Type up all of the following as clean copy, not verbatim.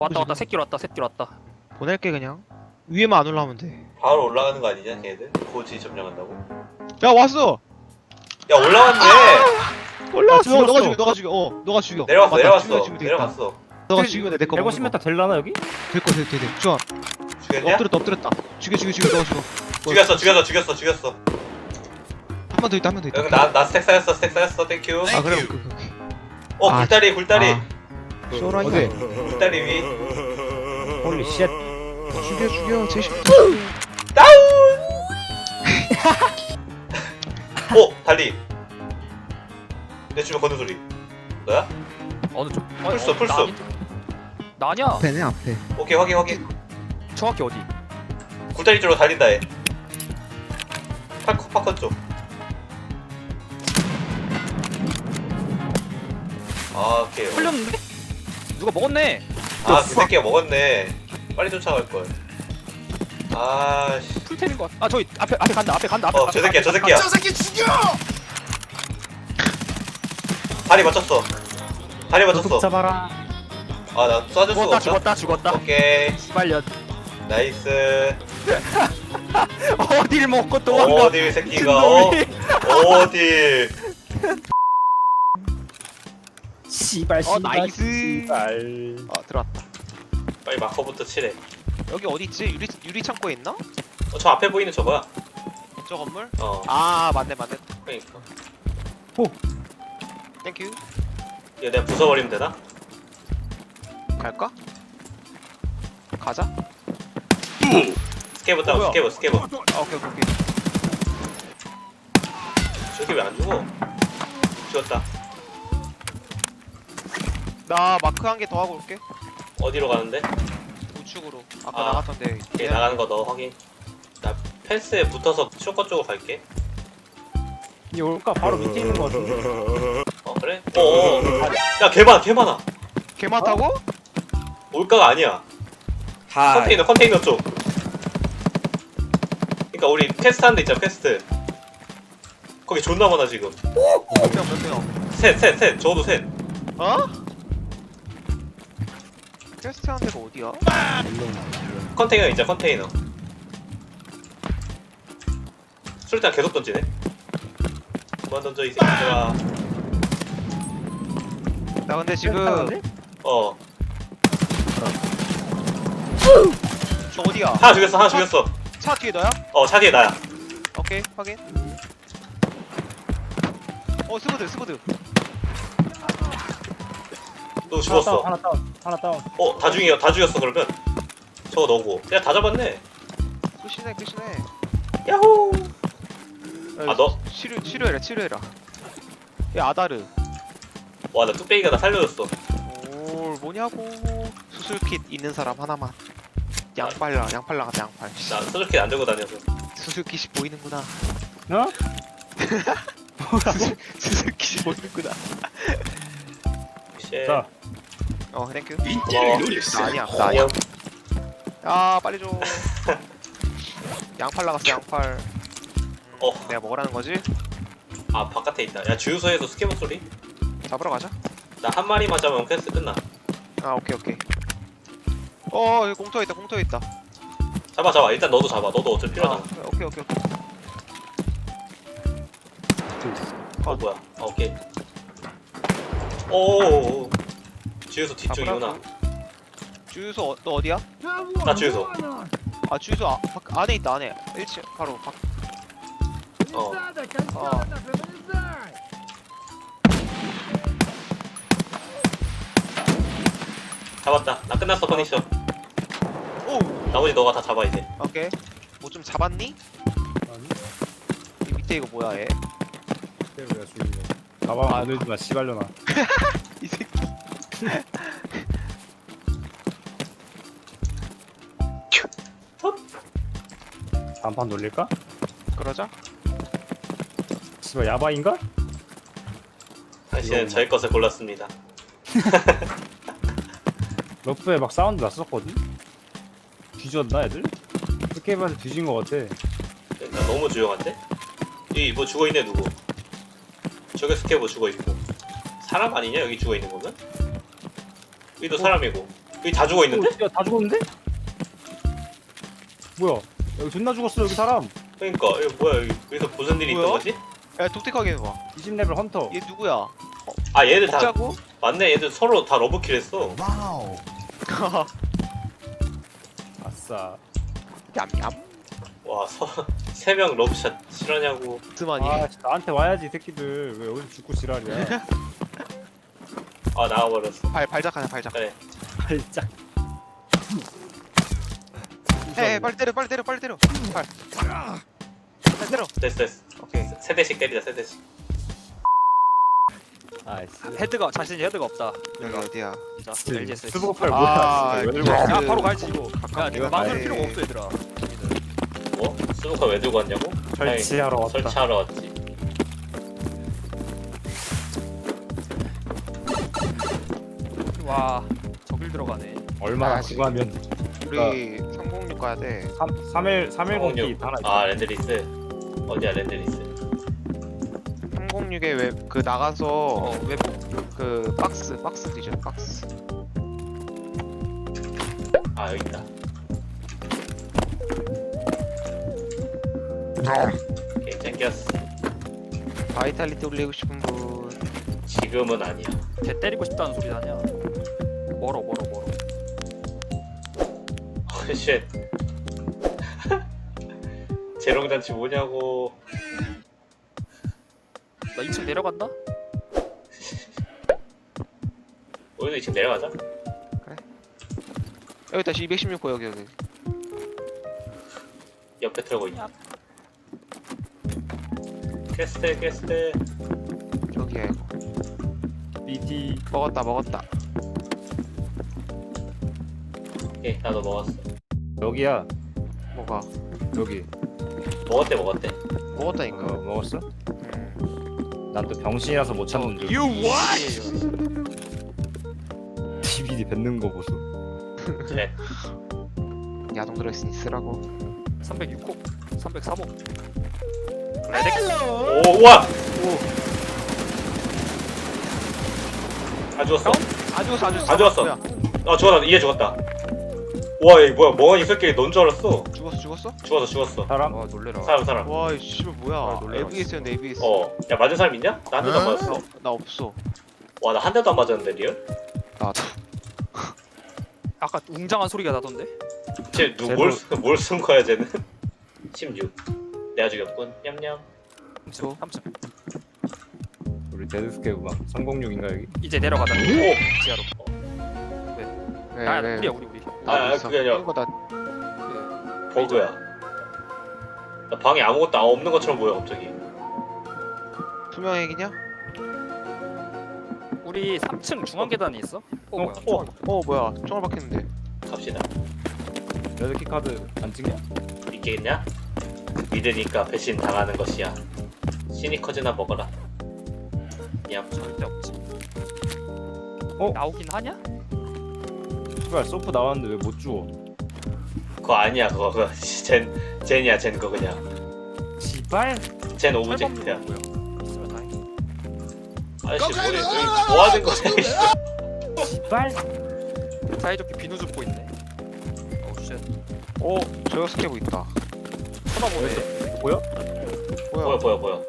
왔다 새끼 왔다 보낼게 그냥. 위에만 안 올라오면 돼. 바로 올라가는 거 아니냐 걔들? 고지 점령한다고? 야 왔어. 야 올라왔네! 올라왔어. 죽었어. 너가 죽여. 너가 죽여. 너가 죽여. 내려갔어 맞다, 내려갔어 죽여, 죽여 되겠다. 내려갔어. 너가 죽이면 내 거 먹는 150m 될라나 여기? 될거 돼. 좋아. 죽였냐? 엎드렸다. 죽여. 너가 죽여. 죽였어. 한 번 더 있다. 여기 나 스택 쌓였어 땡큐. 아 그래. 오케이. 어 아, 굴다리 쇼라니. 어디? 굴다리 위. 홀리 쉣. 죽여. 제시. 다운! 오! 달리 내 주변 걷는 소리 너야? 어느 쪽? 풀숲. 나 아니야. 앞에네 앞에. 오케이 확인 정확히 어디? 굴다리 쪽으로 달린다 얘 파커 쪽 아 오케이 풀렸는데? 누가 먹었네. 아 그 새끼가 먹었네 빨리 쫓아갈걸 아씨 풀템인 것 같아. 아 저기 앞에 간다. 저 새끼야 저 새끼 죽여! 다리 맞췄어 잡아라. 아 나 쏴줄 수가 없다 죽었다. 오케이 시발년. 나이스 어딜 먹고 도망가. 어딜 새끼가 어딜 씨발 나이스. 씨발. 들어왔다. 빨리 마커부터 칠해 여기 어디 있지? 유리 창고에 있나? 저 앞에 보이는 저거야 저 건물? 어 아 맞네. 그러니까 땡큐. 이거 내가 부숴버리면 되나? 갈까? 가자. 스케브 다운 뭐야? 스케브 아 오케이. 저기 왜 안 죽어? 죽었다 나 마크 한 개 더 하고 올게. 어디로 가는데? 우측으로. 아까 아. 나갔던데. 오케이 나가는 거 너 확인 나 펜스에 붙어서 쇼커 쪽으로 갈게 이 올까 바로 밑에 있는 거 같은데. 어 그래? 어어 야 개 많아 개 많다고? 올가가 아니야 컨테이너 쪽 그니까 우리 퀘스트 하는 데 있잖아 퀘스트 거기 존나 많아 지금 몇 명? 셋 적어도 셋 어? 퀘스트 하는 데가 어디야? 컨테이너 있잖아 컨테이너 술탄 계속 던지네 그만 던져 이 새끼들아 나 근데 지금 어 저 어디야? 하나 죽였어 차 뒤에 너야? 어 차 뒤에 나야 오케이 확인. 스브드. 너 죽었어 하나 다운. 어 다 죽였어 그러면 저거 너고 야 다 잡았네 끝이네. 야호 아, 너? 치료해라. 야 아다르. 와 나 뚝배기가 나 살려줬어 오 뭐냐고. 수술킷 있는 사람 하나만. 양팔 나갔다 양팔. 나 소주킷 안 들고 다녀서 수술킷이 보이는구나. 어? 수술킷이 보이는구나. 쉣 자, 땡큐. 고마워 나 아니야. 안녕 야 빨리 줘. 양팔 나갔어 양팔. 내가 먹으라는 거지? 아 바깥에 있다 야 주유소에서 스케브 소리? 잡으러 가자. 나 한 마리만 잡으면 퀘스트 끝나 아 오케이. 여기 공터에 있다. 잡아 일단 너도 잡아 너도 어차피 필요하잖아 오케이. 뭐야 오케이 오오오 주유소 뒤쪽이구나 잡으라고. 주유소 너 어디야? 나 주유소 아 주유소 안에 있다 안에. 1층 바로 밖. 어 잡았다 나 끝났어 퍼니셔 오 나머지 너가 다 잡아 이제 오케이. 뭐 좀 잡았니? 이 밑에 이거 뭐야 얘? 가방 안 들지 마 씨발려나. 이 새끼. 단판 돌릴까? 그러자. 씨발 야바인가? 당신은 저의 것을 골랐습니다 러프에 막 사운드 났었거든? 뒤졌나 애들? 스케이브한테 뒤진 거 같아. 나 너무 조용한데? 이 뭐 죽어있네 누구 저기 스케브 죽어있고 사람 아니냐 여기 죽어있는 거면? 여기도 사람이고 여기 다 죽어 있는데? 야다 죽었는데? 뭐야 여기 존나 죽었어 여기 사람. 그러니까 이거 뭐야 여기서 무슨 일이 있던 뭐야? 거지? 야 독특하게 해봐. 20레벨 헌터. 얘 누구야? 아 얘들 다 먹자고? 맞네. 얘들 서로 다 러브킬 했어. 아싸. 얌얌. 와 세 명 러브샷 실화냐고. 스마니. 아 나한테 와야지 이 새끼들 왜 여기서 죽고 지랄이야. 아 나와버렸어. 발작하자 발작. 그래. 발작. 에 빨리 때려 빨리 때려 빨리 때려. 빨리 때려. 됐어. 오케이. 세 대씩 때리자 세 대씩. 아이씨. 헤드가 자신이 헤드가 없다. 여기 어디야? 자, LGS. 스모팔 아, 뭐야? 왜 들고 그- 왔어? 야 바로 갈지 이거. 야 이거 이거 망설 가야지. 필요가 없어 얘들아. 뭐? 스누카 왜 들고 왔냐고? 설치하러 아니, 왔다. 설치하러 왔지. 와 저길 들어가네. 얼마나 가야지. 구하면 우리 306 가야 돼. 310기 하나 있어. 아 랜드리스. 어디야 랜드리스? 306에 왜 그 나가서 외부. 그 박스 뒤져 박스. 아 여기 있다. 오케이 땡겼어. 바이탈리티 올리고 싶은 분. 지금은 아니야. 개 때리고 싶다는 소리 아니야. 멀어. 쉣. 재롱잔치 뭐냐고. 나 2층 내려간다. 우리도 지금 내려가자. 여기 다시 216호 여기. 옆에 틀고 있냐? 퀘스트. 저기야 이거. BT. 먹었다. 오케이 나도 먹었어. 여기야. 뭐가? 여기. 먹었대. 먹었다니까. 먹었어? 난 또 병신이라서 못 찾는 줄. DVD 뱉는 거 보소. 그래. 야동 들어있으니 쓰라고. 306호, 303호. 오 우와. 다 죽었어. 안 죽었어. 안 죽었어. 뭐야? 아 죽었다. 이해 죽었다. 와 얘 뭐야 멍하니 새끼 넌 줄 알았어. 죽었어? 죽었어. 사람? 와 놀래라. 사람. 와, 이 씨발 뭐야? 놀래라, ABS였네, ABS. 야 맞은 사람 있냐? 나 한 대도 안 맞았어. 나 없어. 와 나 한 대도 안 맞았는데 리얼? 나도. 아까 웅장한 소리가 나던데. 쟤뭘 쓴 거야 쟤는? 16. 내가 죽였군. 냠냠. 저? 3층. 우리 데드스케이브 306인가 여기? 이제 내려가자. 오. 지하로. 왜, 아 왜? 우리야 우리. 아, 그게 아니라- 이거 나 버그야. 나 방에 아무것도 없는 것처럼 보여 갑자기. 투명 핵이냐? 우리 3층 중앙 계단이 있어? 뭐야? 뭐야? 총알 박혔는데. 갑시다. 레드키 카드 안 찍냐? 있겠냐? 믿으니까 배신 당하는 것이야. 시니커즈나 먹어라. 냠. 절대 없지. 어? 나오긴 하냐? 씨발 소프 나왔는데 왜 못 주워? 그거 아니야 그거. 젠이야 젠 그거 그냥. 씨발? 젠 오브젝트야. 뭐야? 있으면 다행이야. 아저씨 뭐 하는 거야? 씨발? 사이좋게 비누 줍고 있네. 오 쉣. 저거 스케브 있다. 쳐다보네. 보여? 뭐야? 보여.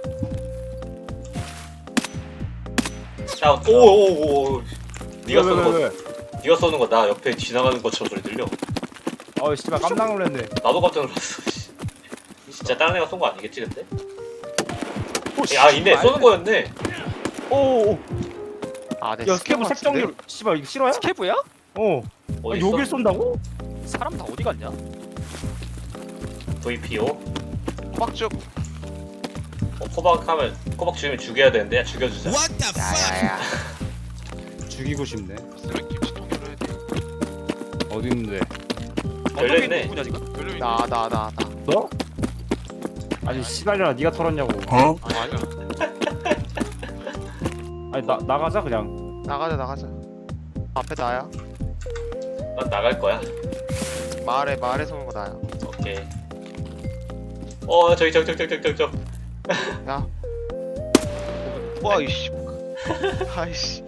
자, 오오오. 네가 쏘는 거, 왜? 네가 쏘는 거 나 옆에 지나가는 것처럼 소리 들려. 어 씨발 깜짝 놀랐네. 나도 깜짝 놀랐어. 진짜 다른 애가 쏜 거 아니겠지 근데? 야 있네 쏘는 거였네. 오오. 아, 내 야 스케브 색정률. 씨발 이거 실화야? 스케브야? 어. 어디 아, 여길 쏜다고? 사람 다 어디 갔냐? VPO? 호박죽. 코박 죽이면 죽여야 되는데 야, 죽여주자. 야야야. 죽이고 싶네. 쓰레기 김치통 열어야 돼. 어디 있는데? 열려있네. 누구냐 지금? 나. 너? 아니 씨발이라 네가 털었냐고. 아니. 아니 나가자 그냥. 나가자. 앞에 나야. 난 나갈 거야. 마을에 서는 거 나야. 오케이. 저기. 야. 와, 이씨. 아이씨.